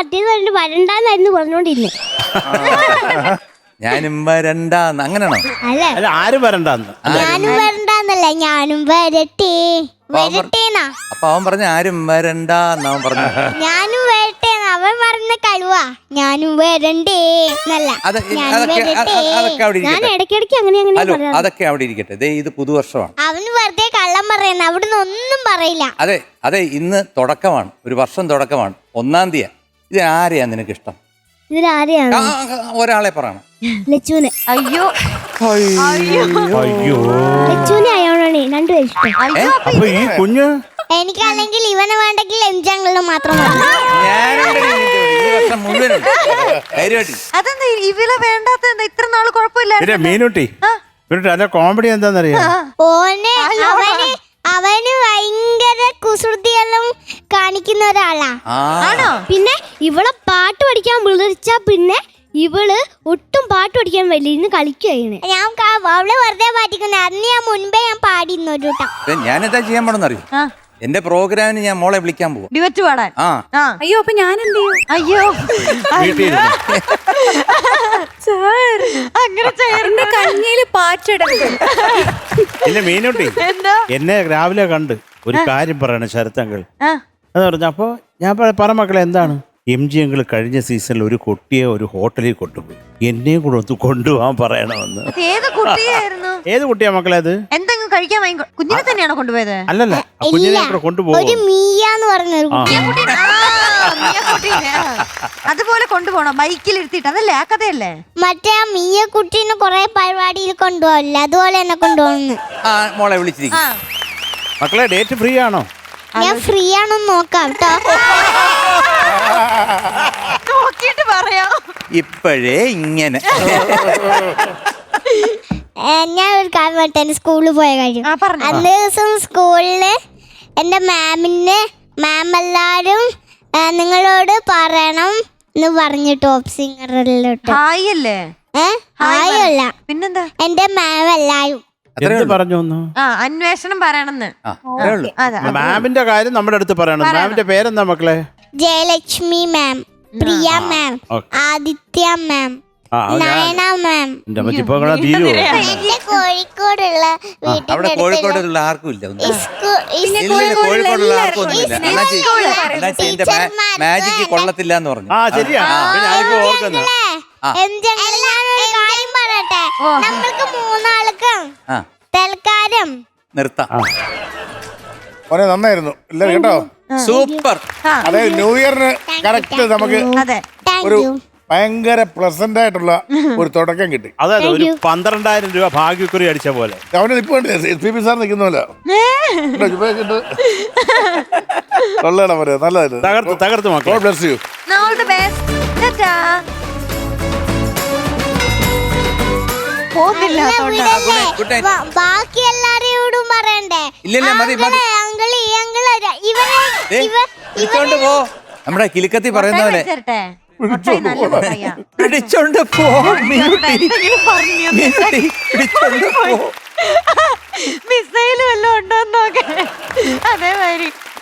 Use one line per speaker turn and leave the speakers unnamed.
മറ്റേത് വരണ്ടാന്നായിരുന്നു പറഞ്ഞോണ്ടിരുന്നേ.
ഞാനും വരണ്ടാന്ന് അങ്ങനെയാണോ?
അല്ലേ,
അല്ല ആരും വരണ്ടെന്ന്.
ഞാനും വരണ്ടാന്നല്ല, ഞാനും വരട്ടെ വരട്ടേന്നാ.
അപ്പൊ അവൻ പറഞ്ഞ ആരും വരണ്ടാന്ന് അവൻ പറഞ്ഞു.
ഞാനും വരട്ടേന്ന് അവൻ പറഞ്ഞ കഴിവാ. ഞാനും വരണ്ടേ എന്നല്ല, ഞാൻ വരട്ടെ. ഞാൻ ഇടയ്ക്കിടയ്ക്ക് അങ്ങനെ
ഹലോ, അതൊക്കെ അവിടെ ഇരിക്കട്ടെ. ദേ ഇത് പുതുവർഷമാണ്.
അവന് വെറുതെ കള്ളം പറയുന്ന, അവിടുന്ന് ഒന്നും പറയില്ല.
അതെ അതെ, ഇന്ന് തുടക്കമാണ്, ഒരു വർഷം തുടക്കമാണ്, 1-ാം തീയതി. ഇത് ആരെയാ നിനക്ക് ഇഷ്ടം?
ഇതിലാരെയാണ്?
ഒരാളെ പറയണം.
ലച്ചുവിന്.
അയ്യോ
അയ്യോ,
ലച്ചുവിനെ അയാളാണ് രണ്ടുപേരും ഇഷ്ടം.
അപ്പൊ ഈ കുഞ്ഞ്
എനിക്കല്ലെങ്കിൽ ഇവനെ വേണ്ടെങ്കിൽ എംജാങ്ങളില് മാത്രം മതി.
അതെന്താ ഇവളെ വേണ്ടാത്ത? ഇത്ര നാള് കുഴപ്പമില്ല.
പിന്നെ മീനുട്ടി അതെ, കോമഡി എന്താന്നറിയാ?
അവന് ഭയങ്കര കുസൃതിയെല്ലാം കാണിക്കുന്ന ഒരാളാ. പിന്നെ ഇവളെ പാട്ട് പഠിക്കാൻ വിളിച്ചാ പിന്നെ ഇവള് ഒട്ടും പാട്ട് പഠിക്കാൻ വലിയ കളിക്കുകയാണ്. ഞാൻ അവളെ വെറുതെ പാട്ടിക്കുന്ന. അന്ന് ഞാൻ മുൻപേ ഞാൻ പാടിയിരുന്നു ഒരു വട്ടം.
ഞാനെന്താ ചെയ്യാൻ പോണെന്നറിയോ? എന്റെ പ്രോഗ്രാമിന് ഞാൻ മോളെ വിളിക്കാൻ പോവാ,
ഡിവറ്റ് പാടാൻ.
അയ്യോ, അപ്പൊ ഞാൻ എന്ത് ചെയ്യും?
അയ്യോ അങ്ങനെ
എന്റെ കഞ്ഞിയില് പാറ്റിടരുത്.
പിന്നെ മീനുട്ടി
എന്താ?
എന്നെ രാവിലെ കണ്ട് ഒരു കാര്യം പറയണം ശരത്തങ്കൾ.
ആ.
എന്ന് പറഞ്ഞു. അപ്പൊ ഞാൻ പറ മക്കളെ എന്താണ്? MG അങ്കിൾ കഴിഞ്ഞ സീസണിൽ ഒരു കുട്ടിയെ ഒരു ഹോട്ടലിൽ കൊണ്ടുപോയി, എന്നെയും കൂടെ ഒന്ന് കൊണ്ടുപോകാൻ പറയണമെന്ന്.
ഏത് കുട്ടിയായിരുന്നു?
ഏത് കുട്ടിയാ മക്കളെ അത്?
എന്തെങ്കിലും കഴിക്കാൻ വാങ്ങി കുഞ്ഞിനെ തന്നെയാണോ കൊണ്ടുപോയത്?
അല്ലല്ല, കുഞ്ഞിനെ കൂടെ കൊണ്ടുപോകും.
ഒരു മീയാന്ന് പറഞ്ഞൊരു കുട്ടി.
അതുപോലെ കൊണ്ടുപോകണം, ബൈക്കിൽ ഇരുത്തിട്ട്. അതല്ലേ ആ കഥയല്ലേ?
മറ്റേ ആ മീയ കുട്ടീനെ കൊറേ പരിപാടിയിൽ കൊണ്ടുപോകില്ല, അതുപോലെ എന്നെ കൊണ്ടുപോകുന്നു.
മോളെ വിളിച്ചിരിക്കും.
മക്കളെ ഡേറ്റ് ഫ്രീ ആണോ?
ഞാൻ ഫ്രീ ആണെന്ന് നോക്കാം കേട്ടോ.
നോക്കിട്ട് പറയാം.
ഇപ്പോഴേ ഇങ്ങനെ
ഞാൻ ഒരു കാര്യം പറയട്ടെ, എന്റെ സ്കൂളിൽ പോയ കാര്യം. അന്ന് ദിവസം സ്കൂളില് എന്റെ മാം എല്ലാരും നിങ്ങളോട് പറയണം എന്ന് പറഞ്ഞു ടോപ്പ് സിംഗറിലോട്ട്.
ഹായ് അല്ലേ?
ഹായല്ല,
പിന്നെന്താ?
എന്റെ മാം എല്ലാരും
എന്ത് പറഞ്ഞു?
അന്വേഷണം പറയണമെന്ന്.
മാമിന്റെ കാര്യം നമ്മുടെ അടുത്ത് പറയണം. മാമിന്റെ പേരെന്താ മക്കളെ?
ജയലക്ഷ്മി മാം, പ്രിയ മാം, ആദിത്യ മാം, നയന മാം. എന്റെ കോഴിക്കോടുള്ള
അവിടെ കോഴിക്കോടുള്ള ആർക്കും ഇല്ല, കോഴിക്കോടുള്ള ആർക്കും ഒന്നുമില്ല. എന്റെ മാജിക്ക് കൊള്ളത്തില്ല എന്ന് പറഞ്ഞു.
കാര്യം പറയട്ടെ, നമ്മൾക്ക് 3 ആൾക്കും തൽക്കാലം
നിർത്താം.
നന്നായിരുന്നു എല്ലാരും കേട്ടോ,
സൂപ്പർ.
അതായത് ന്യൂ ഇയറിന് കറക്റ്റ് നമുക്ക് ഒരു ഭയങ്കര പ്ലസന്റ് ആയിട്ടുള്ള ഒരു തുടക്കം കിട്ടി.
അതായത് ഒരു 12,000 രൂപ ഭാഗ്യക്കുറി അടിച്ച പോലെ.
അവന് ഇപ്പൊ SP സാർ നിൽക്കുന്നല്ലോ, കൊള്ളണം പറയാ. നല്ലതായിരുന്നു,
തകർത്ത് മക്കളെ.
God bless you.
All the best. Ta-ta.
ബാക്കി എല്ലാരോടും പറയണ്ടേ?
ഇല്ല മതി മതി. വിളിച്ചോണ്ട് പോ. നമ്മുടെ കിലുക്കത്തി പറയുന്ന പോലെ പിടിച്ചോണ്ട് പോ.
മിസൈല് വല്ലതും ഉണ്ടോ നോക്കേ. അതേമാതിരി